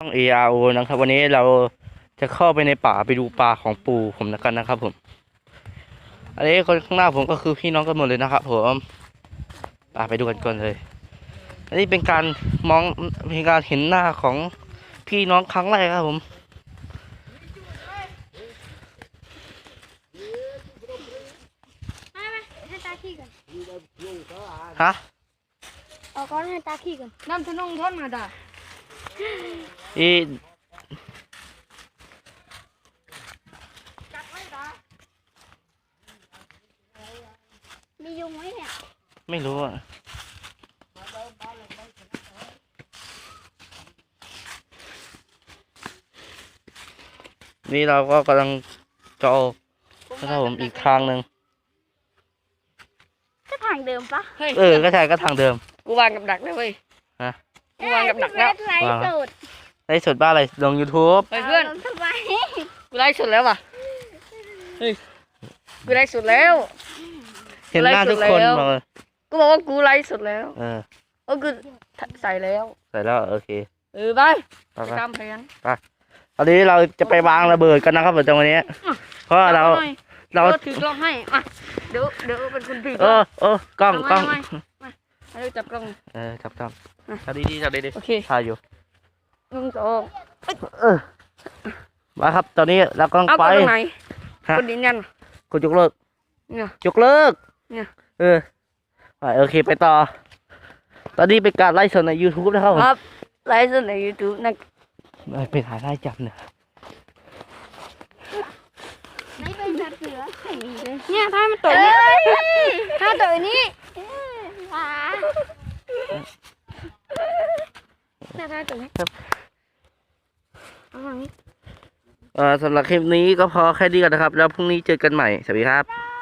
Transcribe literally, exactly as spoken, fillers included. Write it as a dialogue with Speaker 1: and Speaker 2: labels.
Speaker 1: ต้อง เอ อาร์ โอ นะครับวันนี้เราจะเข้าไปในป่าไปดูปลาของปู่ผมแล้วกันนะครับผมอันนี้คนข้างหน้าผมก็คือพี่น้องกันหมดเลยนะครับผมปไปดูกันก่อนเลยอันนี้เป็นการมองเป็นการเห็นหน้าของพี่น้องครั้งแรกครับผม
Speaker 2: ให้ตาขี้กัน
Speaker 1: ฮะ
Speaker 2: เอาก้อนให้ตาขี้กันน้ำทะนงท่อนมาด่า
Speaker 1: อี
Speaker 2: มียุงไหมเนี่ย
Speaker 1: ไม่รู้อ่ะนี่เราก็กำลังจะเอานะครับผมอีกทางหนึ่ง
Speaker 2: ก็ทางเดิมปะ
Speaker 1: เออก็ใช่ก็ทางเดิม
Speaker 3: กูวางกับดักเลยเว้ย
Speaker 1: ฮะ
Speaker 3: กูวางกับดักแล้ว
Speaker 2: ไลฟ์สด
Speaker 1: ไลฟ์สดบ้าอะไรลง YouTube
Speaker 3: เฮ้ยเพื่อน
Speaker 2: ทำไม
Speaker 3: กูไลฟ์สดแล้วว่ะเฮ้ยกูไลฟ์สดแล้ว
Speaker 1: เห็นหน้าทุกคนมาเลย
Speaker 3: กูบอกว่ากูไลฟ์สดแล้ว
Speaker 1: เออ
Speaker 3: เออกูใส่แล้ว
Speaker 1: ใส่แล้วโอเค
Speaker 3: เออไป
Speaker 1: ไปไป
Speaker 3: ตามแผน
Speaker 1: ไปตอนนี้เราจะไปวางระเบิดกันนะครับในวันนี้เพราะเราเรา
Speaker 3: ถือกล้องให้มาเดี๋ยวเดี๋ยวเป็นคนถือ
Speaker 1: เออเออกล้องกล้อง
Speaker 3: มาให้จับกล้อง
Speaker 1: เออจับกล้องถ่ายดีๆถ่ายดีๆ
Speaker 3: โอเค
Speaker 1: ถ่ายอยู่
Speaker 3: หนึ่งสอง
Speaker 1: เออมาครับตอนนี้เรากำลังไป
Speaker 3: เอาตรงไหนกดยืนยัน
Speaker 1: กดยกเลิก
Speaker 3: เนี่ย
Speaker 1: ยกเลิก
Speaker 3: เนี่ย
Speaker 1: เออไปโอเคไปต่อตอนนี้เป็นการไลฟ์สดใน YouTube นะครับ
Speaker 3: ครับไลฟ์สดใน YouTube นะ
Speaker 1: ไปถ่ายไล่จับเนี่ย
Speaker 2: ไม่เป็นแบบเสือเนี่ยถ้ามันตัวนี้ถ้าตัวนี้ว้าเนี่ยถ้าตัวนี้
Speaker 1: เอ่อสำหรับคลิปนี้ก็พอแค่นี้ก่อนนะครับแล้วพรุ่งนี้เจอกันใหม่สวัสดีครับ